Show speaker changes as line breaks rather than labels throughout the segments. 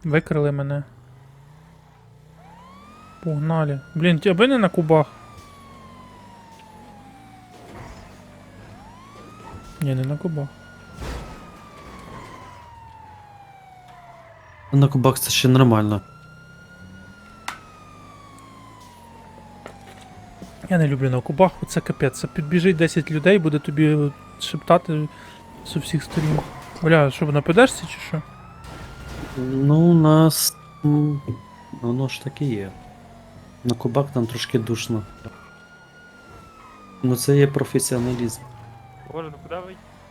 Викрили мене. Погнали. Блін, аби не на кубах. Ні, не на кубах.
На кубах це ще нормально.
Я не люблю на кубах, оце капець. Це підбіжить 10 людей, буде тобі шептати з усіх сторін. Бля, що, нападешся чи що?
Ну, у нас. Воно ж таки є. На кубах там трошки душно. Ну це є професіоналізм.
Боже, ну куди ви?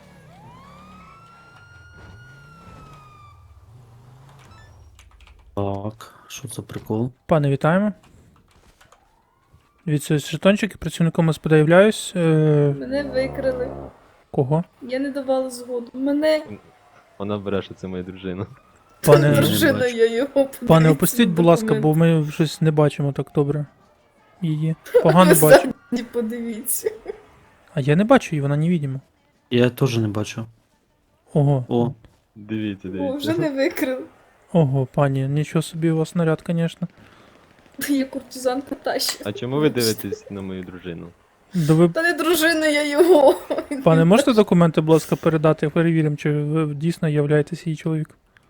Так, що це прикол?
Пане, вітаємо. Дивіться, жетончики, працівником СПД являюсь.
Мене викрили.
Кого?
Я не давала згоду. Мене
Вона бреше, це моя дружина.
Пане,
дружина, я його
пане,
подивіться
опустіть,
на
будь ласка,
документи.
бо ми щось не бачимо так добре. Її. Погано
Ви
бачу.
самі подивіться.
А я не бачу її, вона невидима.
Я теж не бачу.
Ого.
О,
Дивіться,
О,
дивіться.
вже не викрили.
Ого, пані, нічого собі у вас наряд, звісно.
Я куртизанка тащу.
А чому ви дивитесь на мою дружину?
Ви,
Та не дружина, я його.
пане, можете документи, будь ласка, передати, перевіримо, чи ви дійсно являєтесь її чоловіком?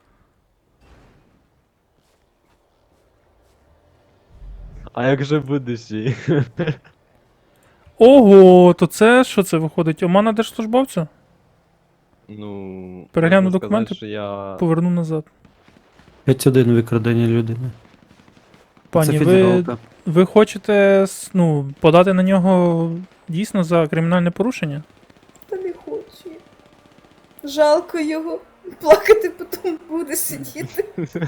А як же будущий?
Ого, то це що це виходить? Омана держслужбовця?
Ну.
Перегляну
можна
документи,
сказати, що я...
Поверну назад.
5-1 викрадення людини.
Пані,
це
ви,
федералка.
ви хочете ну, подати на нього дійсно за кримінальне порушення?
Та не хочу. Жалко його. Плакати потім буде сидіти.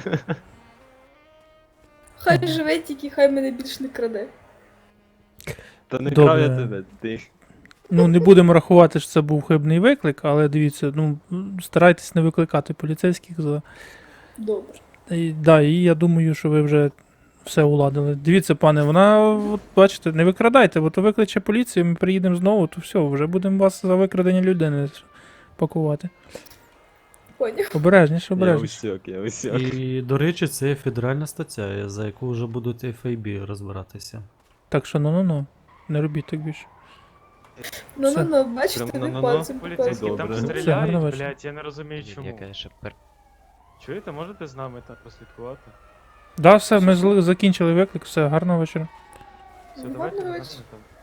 Хай живе тільки, хай мене більш не краде.
Та не
Добре.
крав я тебе, ти.
Ну, не будемо рахувати, що це був хибний виклик, але дивіться, ну, старайтесь не викликати поліцейських за.
Добре.
Да, і я думаю, що ви вже все уладили. Дивіться, пане, вона, от бачите, не викрадайте, бо то викличе поліцію, ми приїдемо знову, то все, вже будемо вас за викрадення людини пакувати.
Поняв.
Обережніше,
Я
обережніше.
усьок, я усьок.
І, до речі, це є федеральна стаття, за яку вже будуть FAB розбиратися.
Так що ну-ну-ну, не робіть так більше.
Ну, бачите,
Прям
ви
на-на-на.
пальцем
Поліцейські
Добре.
там
Все,
гарного
стріляють,
вечора.
блядь, я не розумію чому. Чуєте, можете з нами там прослідкувати?
Да, все, ми закінчили виклик, все, гарного вечора.
Все,
Ну,
давайте
гарного
на
вечора.
там.